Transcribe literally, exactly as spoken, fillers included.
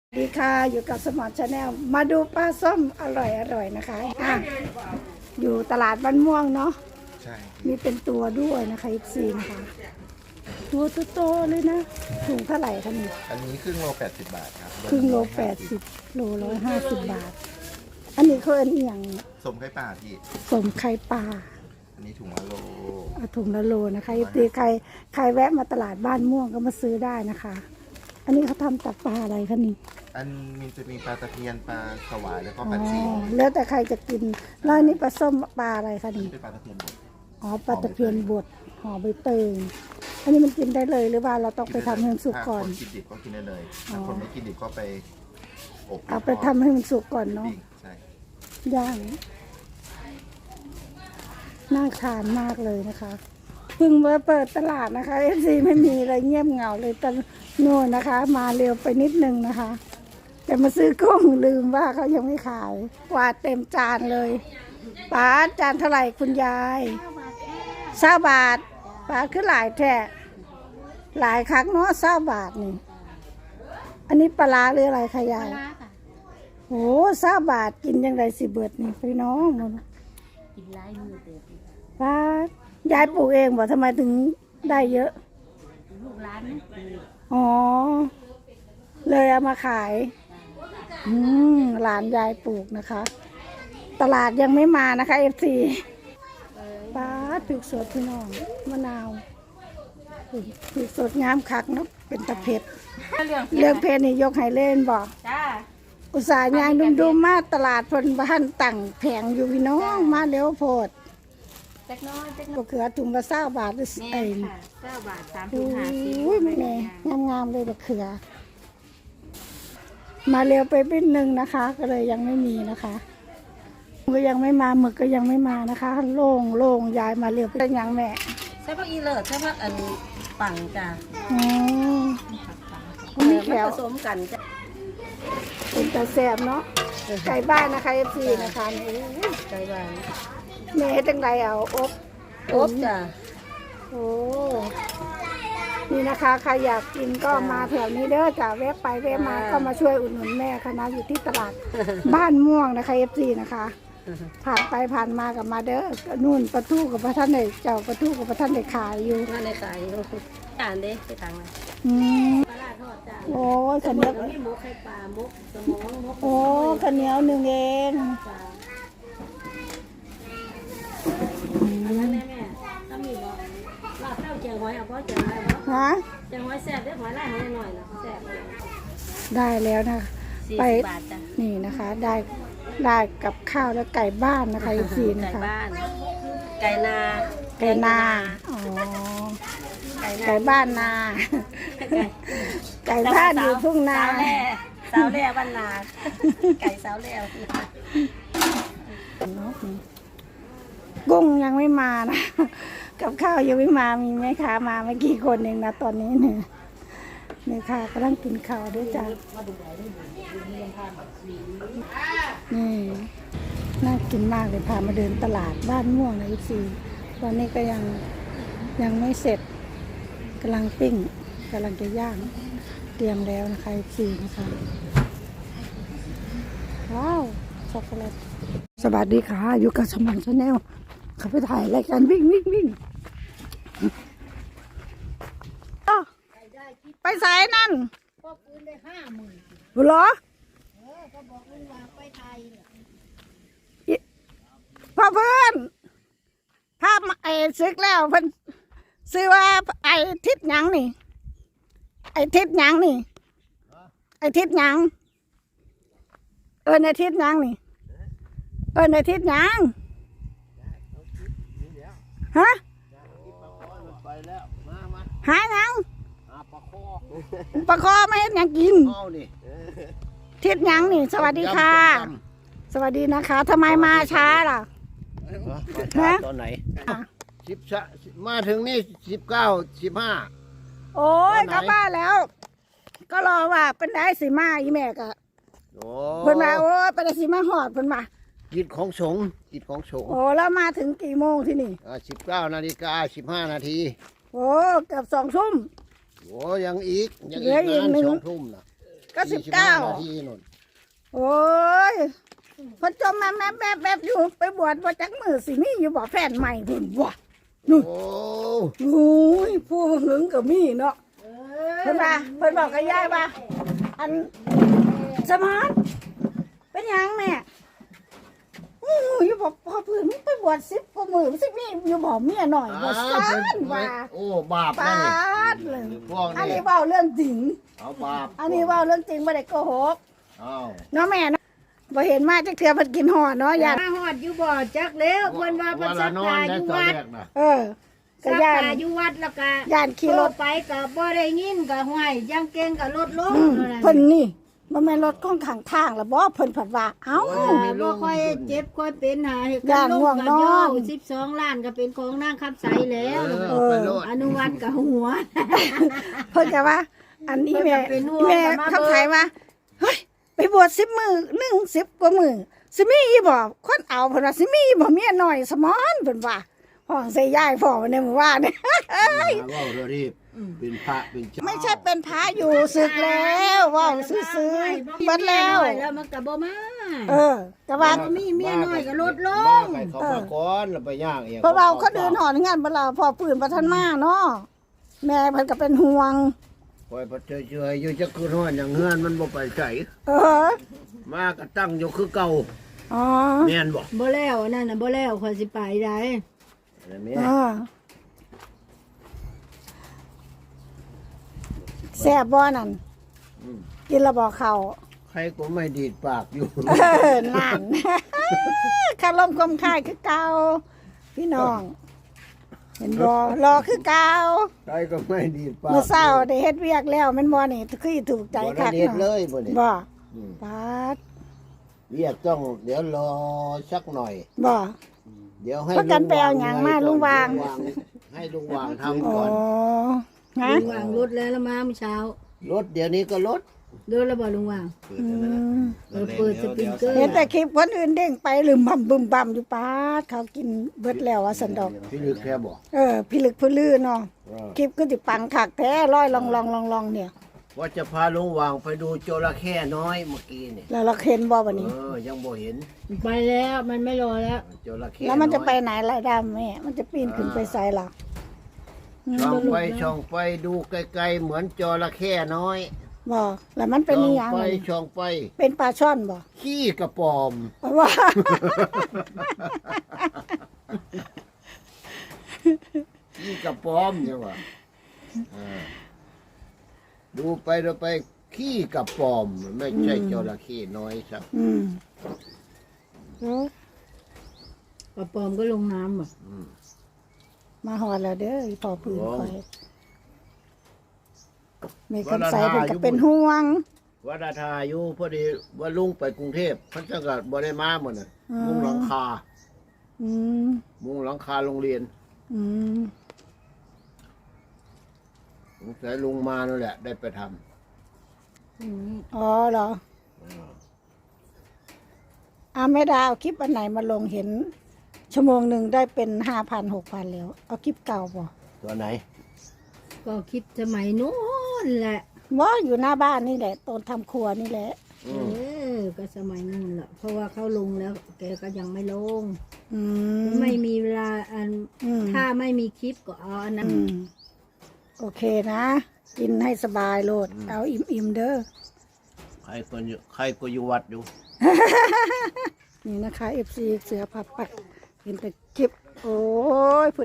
ดีค่ะอยู่กับสมอลชาแนลมาดูปลาส้มอร่อยอร่อยนะคะอ่ะอยู่ตลาดบ้านม่วงเนาะใช่มีเป็นตัวด้วยนะคะอีกสี่นะคะตัวโตๆเลยนะถุงเท่าไหร่คะนี่อันนี้ครึ่งโลแปดสิบบาทครับครึ่งโลแปดสิบโลร้อยห้าสิบบาทอันนี้เขาเอ็นอหย่างสมไข่ป่าพี่สมไข่ปลาอันนี้ถุงละโลเอาถุงละโลนะคะอีกทีใครใครแวะมาตลาดบ้านม่วงก็มาซื้อได้นะคะอันนี้เขาทำจากปลาอะไรคะนี่อันมันจะมีปลาตะเพียนปลาสวายแล้วก็ปลาจีนแล้วแต่ใครจะกินแล้วอันนี้ปลาส้มปลาอะไรคะนี่เป็นปลาตะเพียนบดอ๋อปลาตะเพียนบดห่อใบเตยอันนี้มันกินได้เลยหรือว่าเราต้องไปทำให้มันสุกก่อนคนกินดิบก็กินได้เลยถ้าคนไม่กินดิบก็ไปอบเอาไปทำให้มันสุกก่อนเนาะใช่ย่างน่าทานมากเลยนะคะเพิ่งมาเปิดตลาดนะคะเอฟซีไม่มีอะไรเงียบเหงาเลยตอนโน่นนะคะมาเร็วไปนิดนึงนะคะแต่มาซื้อกุ้งลืมว่าเขายังไม่ขายกวาดเต็มจานเลยป้าจานเท่าไหร่คุณยายเศร้าบาทป้าคือหลายแท้หลายครั้งเนาะเศร้าบาทนี่อันนี้ปลาหรืออะไรคะยายโอ้เศร้าบาทกินยังไงสิเบิดนี่พี่น้องมันกินหลายมือเต็มป้ายายปลูกเองบอกทำไมถึงได้เยอะลูกหลานนี่อ๋อเลยเอามาขายอืมหลานยายปลูกนะคะ ตลาดยังไม่มานะคะเอฟซีป้าปลูกสดพี่น้องมะนาวปลูกสดงามคักเนาะเป็นตะเพ็ดเรื่องเพชรนี่ยกให้เล่นบอกอุตส่าห์ยางดุมๆมาตลาดพนบ้านตั้งแผงอยู่พี่น้องมาเร็วโพดเล็กน้อยเล็กน้อยเขือถุงละเศร้าบาทหรือไอ้เก้าบาทสามถุงห้าสิบอุ้ยไม่แน่งามๆเลยบะเขือมาเร็วไปเป็นหนึ่งนะคะ ก็เลยยังไม่มีนะคะก็ยังไม่มาหมึกก็ยังไม่มานะคะโล่งโล่งยายมาเร็วเป็นยังแม่ใช่พักอีเลิศใช่พักอันปังจ้ะอ๋อมีแถวผสมกันจ้ะเป็นตาแสบเนาะไก่บ้านนะคะเอฟซีนะคะนี่ไก่บ้านแม่จังไรเอาอบอบจ้ะโอ้นี่นะคะใครอยากกินก็มาแถวนี้เด้อจ้ะแวะไปแวะมาก็มาช่วยอุดหนุนแม่คณะอยู่ที่ตลาดบ้านม่วงนะคะเอฟซีนะคะผ่านไปผ่านมากับมาเด้อนู่นประตูกับพระท่านเดเจ้าประตูกับพระท่านเดขายอยู่นั่นในขายอยู่จานเด้ไปทางไหนอืมปลาทอดจ้าโอ้ข้าวเหนียวมีหมูไข่ปลาหมูสมองหมูโอ้ข้าวเหนียวหนึ่งเองแม่แม่ถ้ามีบ่ลาบเต้าเจียงหอยเอาเพราะเจียงหอยบ่ฮะเจียงหอยแซ่บเด้อหอยลายหอยหน่อยนะแซ่บได้แล้วนะไปนี่นะคะได้ได้กับข้าวแล้วไก่บ้านนะคะอีกสี่นะคะไก่บ้านไก่นาไก่นาอ๋อไก่บ้านนาไก่บ้านอยู่ทุ่งนาสาวแล่บ้านนาไก่สาวแล่กุ้งยังไม่มานะกับข้าวยังไม่มามีไหมคะมาไม่กี่คนเองนะตอนนี้เนี่ยนี่ค่ะกำลังกินข้าวด้วยจ้ะนี่น่ากินมากเลยพามาเดินตลาดบ้านม่วงนะอีกทีตอนนี้ก็ยังยังไม่เสร็จกำลังปิ้งกำลังจะย่างเตรียมแล้วนะคะอีกทีนะคะว้าวช็อกโกแลตสวัสดีค่ะอยู่กับสมองชาแนลเขาไปถ่ายรายการวิ่งวิ่งวิ่งไปสายนั่นก็คืนได้ห้าหมื่นเหรอเออก็บอกลุงว่าไปไทยพ่อเพื่อนภาพไอ้ซึกแล้วเพิ่นซื้อว่าไอ้ทิศหยังนี่ไอ้ทิศหยังนี่ไอ้ทิศหยังเออในทิศหยังนี่เออในทิศหยังฮะหาหยังปลาคอไม่เห็นยังกินทิศยังนี่สวัสดีค่ะสวัสดีนะคะทำไมมาช้าล่ะมาตอนไหนสิบมาถึงนี่สิบเก้าสิบห้าโอ้ยกลับบ้านแล้ว ก็รอว่าเป็นได้สีมาอีแม่กะเพิ่นมาโอ้เป็นได้สีมาหอดเพิ่นมากิจของสงฆ์กิจของสงฆ์โอ้แล้วมาถึงกี่โมงที่นี่สิบเก้านาฬิกาสิบห้านาทีโอ้เกือบสองทุ่มโอ้ยังอีกยังอีกนานสองทุ่มนะก็สิบเก้านาทีนู่นโอ้ยพอจมมาแม่แม่แบบอยู่ไปบวชว่าจักมือสิมีอยู่บ่แฟนใหม่พุ่นบ่นู่นโอ้โอ้ยผู้หึงก็มีเนาะเพิ่นว่าเพิ่นบอกกับยายว่าอันสมานเป็นหยังแม่อู้อยู่บ่พอเพิ่นมึงไปบวชสิบกว่ามือสิมีอยู่บ่เมียหน่อยบ่ซ่านว่าโอ้บาปปานะดเลยพวกอันนี้นี้เว้าเรื่องจริงเอาบาปอันนี้เว้าเรื่องจริงบ่ได้โกหกเอาเนาะแม่เนาะบ่เห็นมาจักเทื่อเพิ่นกินห่อเนาะยายมาฮอดอยู่บ่อจักแล้วเพิ่นว่าเพิ่นวันสัละกนอนกาอได้ยู่ตอนวัดแรกนะเออก็สักย่านกาอยู่วัดแล้วก็ย่านขี่รถโทไปก็บ่ได้ยินก็ห้วยยังเก่งก็ลดลงอืมเท่านั้นเพิ่นนี่บ่แม่นรถของข้างทางแล้วบ่เพิ่นผัดว่าเอ้าเออบ่ค่อยเจ็บค่อยเป็นหาเหตุย่านลง่วงนอนสิบสองล้านก็เป็นของนางคำใสแล้วเออเอาไปโลดอนุวัตกับหัวเพิ่นก็ว่า อันนี้แม่เพิ่นก็เป็นห่วงแม่มาเขาเบิ่งขายว่าเฮ้ยไปบวชสิบมื้อหนึ่งสิบกว่ามื้อสิมีอีบ่คนเอาเพิ่นว่าสิมีอีบ่เมียน้อยสมอนเพิ่นว่าห้องใส่ยายพ่อในหมู่บ้านเนี่ยมาเว่าเรื่องนี้เป็นพระเป็นเจ้าไม่ใช่เป็นพระอยู่ศึกแล้วเว้าซื่อๆเบิดแล้วแล้วมันก็บ่มาเออแต่ว่าบ่มีเมียน้อยก็ลดลงบ้าไปเขามาก่อนแล้วไปย่างเองเพราะเราเขาเดินหอนงานบ่เราพอปืนบ่ทันมาเนาะแม่เพิ่นก็เป็นห่วงปล่อยพัดเฉยๆอยู่จะคืนห้อนอย่างเฮือนมันบ่ไปใส่เออมาก็ตั้งอยู่คือเก่าอ๋อแม่นบ่บ่แล้วนั่นน่ะบ่แล้วข่อยสิไปได้อะไรแม่อ่าแซ่บบ่นั่นอืมกินและบ่เขาใครก็ไม่ดีดปากอยู่เออนั่น คารมคมคายคือเก่าพี่น้อง เห็นบ่รอคือเก่าใครก็ไม่ดีดปากเมื่อเช้าได้เฮ็ดเวียกแล้วแม่นบ่นี่คือถูกใจบ่คัได้กเฮ็ดเลเนาะยบ่นี่บ่อืมปาดเรียกต้องเดี๋ยวรอสักหน่อยบ่เดี๋ยวให้ประกันไปเอาหยังมาลุงวางให้ลุงวางทำอ๋อก่อนฮะลุงวางรถแล้วแล้วมาเมื่อเช้ารถเดี๋ยวนี้ก็รถรถแล้วบ่ลุงวางอืมเออเปิดสปริงเกอร์เห็นแต่คลิปคนอื่นเด้งไปลืมบัมบึมบัมอยู่ปาดเขากินเบิดแล้วว่าสันดอกพี่ลึกแค่บอกเออพี่ลึกพี่ลื่นเนาะเออคลิปก็ติปังขักแท้ร้อยลองลองลองลองเนี่ยว่าจะพาลุงวางไปดูจระเข้น้อยเมื่อกี้เนี่ยแล้วเราเห็นบ่วันนี้เออยังบ่เห็นไปแล้วมันไม่รอแล้วจระเข้แล้วมันจะไปอยไหนล่ะดำแม่มันจะปีนขึ้นไปใส่ล่ะอืมช่องไปช่องไปดูไกลๆเหมือนจระเข้น้อยบ่แล้วมันเป็นช่นิองยังไปวะนี่ช่องไปเป็นปลาช่อนบ่ขี้กระปอมว่าขี้กระปอมใช่ปะเออดูไปดูไปขี้กระปอม ไม่ใช่จระเข้น้อยครับอืมเออปลาปลอมก็ลงน้ำบ่มาหอดแล้วเด้ออีพอปืนโอ้คอยแม่คำใสเพิ่นก็เป็นห่วงวัดทาอยู่พอดีว่าลุงไปกรุงเทพเพันจะกับ่ได้มาหมดน่ะอ๋อมุงหลังคาอืมมุงหลังคาโรงเรียนอืมสงสัยลุงมานั่นแหละ ได้ไปทอ๋อเหรออาแม่ดาเอาคลิปอันไหนมาลงเห็น ชั่วโมงหนึ่งได้เป็นห้าพันหกพันแล้ว เอาคลิปเก่าบ่ำตัวไหนก็คิดสมัยโน้นแหละว่าอยู่หน้าบ้านนี่แหละตอนทำครัวนี่แหละเออก็สมัยนู้นแหละเพราะว่าเขาลงแล้วแกก็ยังไม่ลงอืมไม่มีเวลาอันอืมถ้าไม่มีคลิปก็เอาอันนั้นอืมโอเคนะ กินให้สบายโลด เอาอิ่มๆเด้อใครก็อยู่ใครก็อยู่วัดอยู่นี่นะคะ เอฟ ซี เสือผับปักเห็นแต่คลิป โอ้ยผู้